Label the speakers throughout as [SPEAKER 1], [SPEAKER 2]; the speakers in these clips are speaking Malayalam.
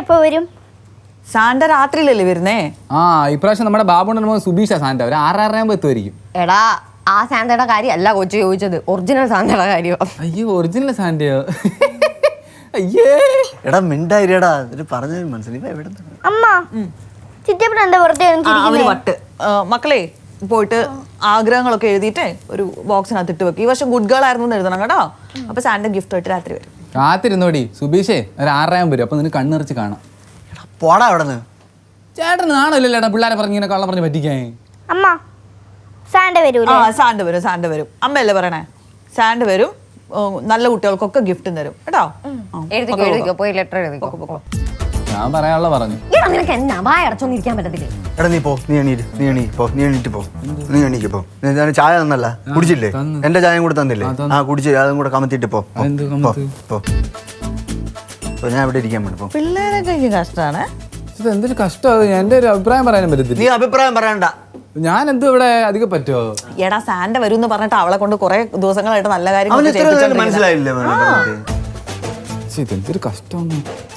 [SPEAKER 1] എപ്പോ വരും?
[SPEAKER 2] സാന്റ രാത്രിയിലല്ലേ വരുന്നേ?
[SPEAKER 3] ആ ഇപ്രാവശ്യം നമ്മുടെ ബാബുണ്ണൻ മോൻ സുബീഷ സാന്റ ഒരു 6:30 എത്തുമായിരിക്കും.
[SPEAKER 4] എടാ ആ സാന്തയുടെ കാര്യം അല്ല കൊച്ചു ചോദിച്ചത്, ഒറിജിനൽ സാന്തയുടെ കാര്യം.
[SPEAKER 3] അയ്യോ ഒറിജിനൽ സാന്റയോ? അയ്യേ
[SPEAKER 5] എടാ മിണ്ടായിരടാ, പറഞ്ഞു മനസ്സിലായി.
[SPEAKER 1] അമ്മ ചിറ്റപ്പൻ എന്താ വെറുതെ
[SPEAKER 2] വട്ട് മക്കളെ പോയിട്ട് ആഗ്രഹങ്ങളൊക്കെ എഴുതിയിട്ടേ ഒരു ബോക്സിനകത്ത് ഇട്ട് വെക്കും. ഈ വർഷം ഗുഡ് ഗേൾ ആയിരുന്നു എന്ന് എഴുതണം കേട്ടോ. അപ്പൊ സാന്റ ഗിഫ്റ്റ് ആയിട്ട് രാത്രി വരും.
[SPEAKER 3] കാത്തിരുന്നോടി സുബീഷേ, ഒരു 6:30 വരും. അപ്പൊ നിനക്ക് കണ്ണിറച്ച് കാണാം.
[SPEAKER 5] പോടാ അവിടെ നിന്ന്.
[SPEAKER 3] ചേട്ടന് നാണല്ലോ ചേട്ടാ പിള്ളേരെ പറഞ്ഞ് ഇങ്ങനെ കള്ളം പറഞ്ഞ് പറ്റിക്കാൻ.
[SPEAKER 1] അമ്മ സാന്റ വരൂലേ?
[SPEAKER 2] സാന്റ വരും. അമ്മയല്ലേ പറയണേ? സാന്റ വരും, നല്ല കുട്ടികൾക്കൊക്കെ ഗിഫ്റ്റും തരും കേട്ടോ.
[SPEAKER 4] എഴുതിക്കോ പോയി ലെറ്റർ എഴുതിക്കോ.
[SPEAKER 3] ഞാൻ പറയാനുള്ള പറഞ്ഞു.
[SPEAKER 4] നിനക്ക് എന്നാ വായ അടച്ചൊന്നും ഇരിക്കാൻ പറ്റത്തില്ലേ?
[SPEAKER 5] എടാ നീ എണീറ്റ് പോ. ഞാൻ ചായ തന്നല്ല, കുടിച്ചില്ലേ? എന്റെ ചായയും കൂടെ തന്നില്ലേ? ആ കുടിച്ചില്ലേ, അതും കൂടെ കമത്തിട്ട് പോ. ഞാൻ ഇവിടെ ഇരിക്കാൻ വേണ്ടി.
[SPEAKER 2] പിള്ളേരൊക്കെ കഷ്ടമാണ്.
[SPEAKER 3] ഇത് എന്തൊരു കഷ്ടം. എന്റെ ഒരു അഭിപ്രായം പറയാനും പറ്റത്തില്ല.
[SPEAKER 5] നീ അഭിപ്രായം പറയണ്ട.
[SPEAKER 3] ഞാൻ എന്തോ ഇവിടെ അധികം പറ്റുമോ?
[SPEAKER 2] എടാ സാന്റ വരും എന്ന് പറഞ്ഞിട്ട് അവളെ കൊണ്ട് കുറെ ദിവസങ്ങളായിട്ട് നല്ല കാര്യം
[SPEAKER 5] മനസ്സിലായില്ലേ?
[SPEAKER 3] ഇതെന്തൊരു കഷ്ടം.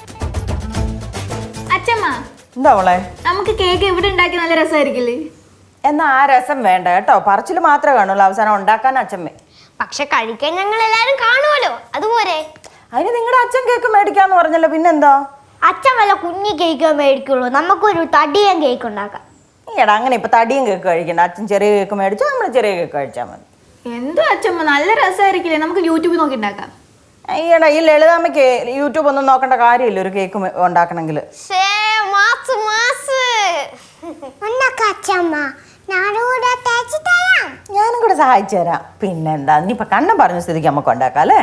[SPEAKER 6] അച്ഛമ്മ
[SPEAKER 2] എന്താ അവളെ
[SPEAKER 6] നമുക്ക് കേക്ക് ഇവിടെ ഉണ്ടാക്കി നല്ല രസമായിരിക്കില്ലേ?
[SPEAKER 7] എന്നാ ആ രസം വേണ്ട കേട്ടോ, പറച്ചില് മാത്രമേ കാണുള്ളൂ, അവസാനം ഉണ്ടാക്കാൻ അച്ഛമ്മേ.
[SPEAKER 1] പക്ഷെ കഴിക്കാൻ ഞങ്ങൾ എല്ലാരും കാണുമല്ലോ, അതുപോലെ.
[SPEAKER 7] അതിന് നിങ്ങളുടെ അച്ഛൻ കേക്ക് മേടിക്കാന്ന് പറഞ്ഞല്ലോ, പിന്നെന്താ?
[SPEAKER 1] അച്ഛൻ വല്ല കുഞ്ഞി കേക്ക് മേടിക്കുള്ളൂ, നമുക്കൊരു തടിയൻ കേക്ക് ഉണ്ടാക്കാം.
[SPEAKER 7] ഈടാ അങ്ങനെ ഇപ്പൊ തടിയും കേക്ക് കഴിക്കണ്ട, അച്ഛൻ ചെറിയ കേക്ക് മേടിച്ചാൽ നമ്മൾ ചെറിയ കേക്ക് കഴിച്ചാൽ മതി.
[SPEAKER 6] എന്തോ അച്ഛമ്മ നല്ല രസമായിരിക്കില്ലേ? നമുക്ക് യൂട്യൂബിൽ നോക്കി ഉണ്ടാക്കാം.
[SPEAKER 7] ഈടാ ഈ ലളിതാമ്മയ്ക്ക് യൂട്യൂബ് ഒന്നും നോക്കേണ്ട കാര്യമില്ല ഒരു കേക്ക് ഉണ്ടാക്കണമെങ്കിൽ. ഞാനും കൂടെ സഹായിച്ചു തരാം. പിന്നെന്താ, ഇനിയിപ്പൊ കണ്ണം പറഞ്ഞ സ്ഥിതിക്ക് നമുക്ക് ഉണ്ടാക്കാം അല്ലേ?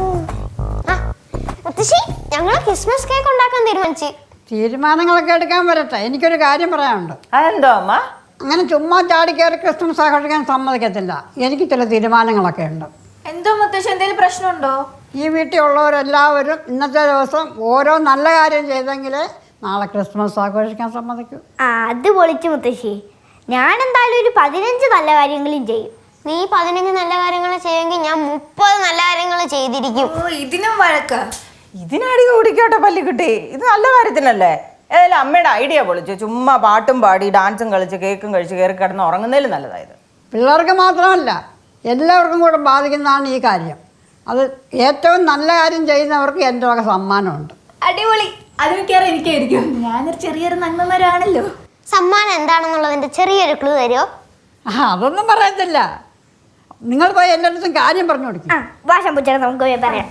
[SPEAKER 1] ഞങ്ങൾ ക്രിസ്മസ് കേക്ക് ഉണ്ടാക്കാൻ തീരുമാനിച്ചു.
[SPEAKER 8] തീരുമാനങ്ങളൊക്കെ എടുക്കാൻ വരട്ടെ, എനിക്കൊരു കാര്യം പറയാനുണ്ട്.
[SPEAKER 7] അതെന്തോ അമ്മ?
[SPEAKER 8] അങ്ങനെ ചുമ്മാ ചാടി കയറി ക്രിസ്മസ് ആഘോഷിക്കാൻ സമ്മതിക്കത്തില്ല. എനിക്ക് ചില തീരുമാനങ്ങളൊക്കെ ഉണ്ട്.
[SPEAKER 6] എന്തോ മുത്തശ്ശി, എന്തെങ്കിലും പ്രശ്നമുണ്ടോ?
[SPEAKER 8] ഈ വീട്ടിൽ ഉള്ളവരെല്ലാവരും ഇന്നത്തെ ദിവസം ഓരോ നല്ല കാര്യം ചെയ്തെങ്കിലേ നാളെ ക്രിസ്മസ് ആഘോഷിക്കാൻ സമ്മതിക്കൂ.
[SPEAKER 1] അത് പൊളിച്ചു മുത്തശ്ശി. ഞാൻ എന്തായാലും ഒരു 15 നല്ല കാര്യങ്ങളും ചെയ്യും.
[SPEAKER 9] നീ 15 നല്ല കാര്യങ്ങൾ ചെയ്യുമെങ്കിൽ ഞാൻ 30 നല്ല കാര്യങ്ങൾ ചെയ്തിരിക്കും.
[SPEAKER 6] ഇതിനും വഴക്ക?
[SPEAKER 7] ഇതിനടി കൂടിക്കോട്ടെ പല്ലിക്കുട്ടി, ഇത് നല്ല കാര്യത്തിനല്ലേ? ഏതായാലും അമ്മയുടെ ഐഡിയ പൊളിച്ചു. ചുമ്മാ പാട്ടും പാടി ഡാൻസും കളിച്ച് കേക്കും കഴിച്ച് കയറി കിടന്ന് ഉറങ്ങുന്നതിലും നല്ലതായത്.
[SPEAKER 8] പിള്ളേർക്ക് മാത്രമല്ല എല്ലാവർക്കും കൂടെ ബാധിക്കുന്നതാണ് ഈ കാര്യം. അത് ഏറ്റവും നല്ല കാര്യം ചെയ്യുന്നവർക്ക് എൻ്റെ വക സമ്മാനമുണ്ട്.
[SPEAKER 6] അടിപൊളി. അത് മിക്കവാറും എനിക്കായിരിക്കും. ഞാനൊരു ചെറിയൊരു നന്മമാരാണല്ലോ.
[SPEAKER 9] സമ്മാനം എന്താണെന്നുള്ളതിന്റെ ചെറിയൊരു ക്ലൂ തരുമോ?
[SPEAKER 8] അതൊന്നും പറയത്തില്ല. നിങ്ങൾ പോയി എല്ലായിടത്തും കാര്യം പറഞ്ഞു കൊടുക്കും.
[SPEAKER 1] ഭാഷ പൂച്ച നമുക്ക് പോയി പറയാം.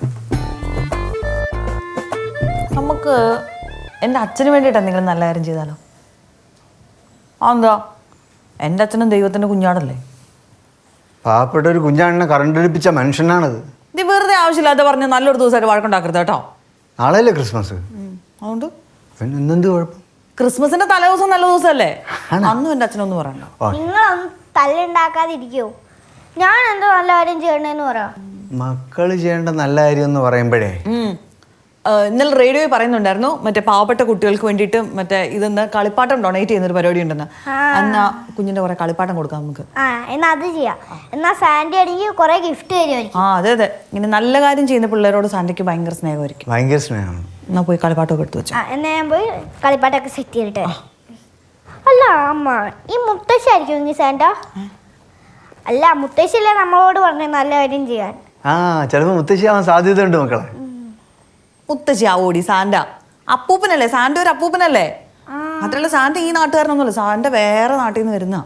[SPEAKER 2] നമുക്ക് എൻ്റെ അച്ഛന് വേണ്ടിയിട്ട് എന്തെങ്കിലും നല്ല കാര്യം ചെയ്താലോ? എന്താ, എൻ്റെ അച്ഛനും ദൈവത്തിൻ്റെ കുഞ്ഞാടല്ലേ?
[SPEAKER 5] പാവപ്പെട്ട ഒരു കുഞ്ഞാണിനെ കറണ്ടടിപ്പിച്ച മനുഷ്യനാണത്.
[SPEAKER 2] ഇത് വെറുതെ ആവശ്യമില്ലാതെ പറഞ്ഞ് നല്ലൊരു ദിവസമായിട്ട് വഴക്കുണ്ടാക്കരുത് കേട്ടോ.
[SPEAKER 5] നാളെയല്ലേ ക്രിസ്മസ്?
[SPEAKER 2] അതുകൊണ്ട്
[SPEAKER 5] പിന്നെ എന്തെന്ത് കുഴപ്പം?
[SPEAKER 2] ക്രിസ്മസിന്റെ തലേദിവസം നല്ല ദിവസമല്ലേ? അന്നും എൻ്റെ അച്ഛനൊന്നും പറയണ്ട.
[SPEAKER 1] നിങ്ങളൊന്നും തല്ലുണ്ടാക്കാതിരിക്കോ? ഞാൻ എന്തോ നല്ല കാര്യം ചെയ്യണേന്ന് പറയാം.
[SPEAKER 5] മക്കള് ചെയ്യേണ്ട നല്ല കാര്യം എന്ന് പറയുമ്പോഴേ
[SPEAKER 2] ഇന്നലെ റേഡിയോയിൽ പറയുന്നുണ്ടായിരുന്നു, മറ്റേ പാവപ്പെട്ട കുട്ടികൾക്ക് വേണ്ടിയിട്ട് മറ്റേ ഇതെന്ന് കളിപ്പാട്ടം ഡൊണേറ്റ് ചെയ്യുന്നൊരു പരിപാടി ഉണ്ടെന്ന്. എന്നാ കുഞ്ഞിന്റെ കുറെ കളിപ്പാട്ടം കൊടുക്കാം നമുക്ക്.
[SPEAKER 1] എന്നാ അത് ചെയ്യാം. എന്നാ സാന്റി ആണെങ്കിൽ കുറെ ഗിഫ്റ്റ് തരുമായിരിക്കും.
[SPEAKER 2] അതെ അതെ, ഇങ്ങനെ നല്ല കാര്യം ചെയ്യുന്ന പിള്ളേരോട് സാന്റിക്ക് ഭയങ്കര സ്നേഹമായിരിക്കും.
[SPEAKER 5] ഭയങ്കര സ്നേഹമാണ്.
[SPEAKER 2] എന്നാ പോയി കളിപ്പാട്ടമൊക്കെ എടുത്തു വെച്ചു.
[SPEAKER 1] എന്നാ ഞാൻ പോയി കളിപ്പാട്ടൊക്കെ സെറ്റ് ചെയ്തിട്ട്. അല്ല അമ്മ, ഈ മുത്തശ്ശി ആയിരിക്കും സാന്റ? അല്ല മുത്തശ്ശിയല്ലേ നമ്മളോട് പറഞ്ഞ നല്ല കാര്യം ചെയ്യാൻ.
[SPEAKER 5] ചിലപ്പോ മുത്തശ്ശിയാവാൻ സാധ്യത ഉണ്ട് മക്കളെ.
[SPEAKER 2] മുത്തശ്ശി ആവോടി സാന്റ? അപ്പൂപ്പനല്ലേ സാന്റ, ഒരു അപ്പൂപ്പനല്ലേ? മാത്രല്ല സാന്റ ഈ നാട്ടുകാരനൊന്നുമല്ല, സാന്റ വേറെ നാട്ടിൽ നിന്ന് വരുന്ന.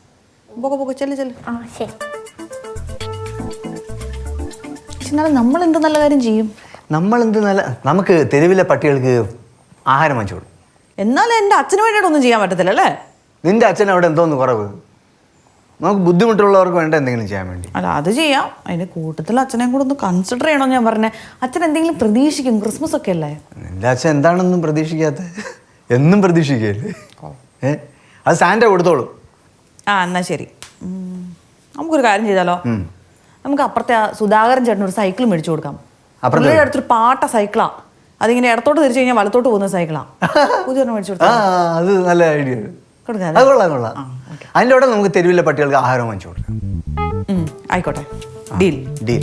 [SPEAKER 2] എന്നാലും നമ്മൾ എന്ത് നല്ല കാര്യം ചെയ്യും?
[SPEAKER 5] നമുക്ക് തെരുവിലെ പട്ടികൾക്ക് ആഹാരം വാങ്ങിച്ചു കൊടുക്കും.
[SPEAKER 2] എന്നാലും എൻ്റെ അച്ഛന് വേണ്ടിയിട്ടൊന്നും ചെയ്യാൻ പറ്റത്തില്ല അല്ലേ?
[SPEAKER 5] നിന്റെ അച്ഛൻ അവിടെ എന്തോന്ന് കുറവ്? നമുക്ക് ബുദ്ധിമുട്ടുള്ളവർക്ക് വേണ്ട എന്തെങ്കിലും ചെയ്യാൻ വേണ്ടി.
[SPEAKER 2] അല്ല അത് ചെയ്യാം. അതിന്റെ കൂട്ടത്തിൽ അച്ഛനെയും കൂടെ ഒന്ന് കൺസിഡർ ചെയ്യണമെന്ന് ഞാൻ പറഞ്ഞേ. അച്ഛൻ എന്തെങ്കിലും പ്രതീക്ഷിക്കും, ക്രിസ്മസ് ഒക്കെ അല്ലേ?
[SPEAKER 5] നിന്റെ അച്ഛൻ എന്താണെന്നും പ്രതീക്ഷിക്കാത്ത? എന്നും പ്രതീക്ഷിക്കല്ലേ? അത് സാന്റ കൊടുത്തോളൂ.
[SPEAKER 2] എന്നാ ശരി, നമുക്കൊരു കാര്യം ചെയ്താലോ? നമുക്ക് അപ്പുറത്തെ സുധാകരൻ ചേട്ടൻ ഒരു സൈക്കിൾ മേടിച്ചു കൊടുക്കാം. പുള്ളിയുടെ അടുത്തൊരു പാട്ട സൈക്കിളാ, അതിങ്ങനെ ഇടത്തോട്ട് തിരിച്ചു കഴിഞ്ഞാൽ വലത്തോട്ട് പോകുന്ന സൈക്കിളാ. പുതിയ മേടിച്ചു കൊടുക്കാം.
[SPEAKER 5] അത് നല്ല ഐഡിയ. അത് കൊള്ളാം. അതിൻ്റെ കൂടെ നമുക്ക് തെരുവിലെ പട്ടികൾക്ക് ആഹാരം വാങ്ങിച്ചു കൊടുക്കാം.
[SPEAKER 2] ആയിക്കോട്ടെ, ഡീൽ.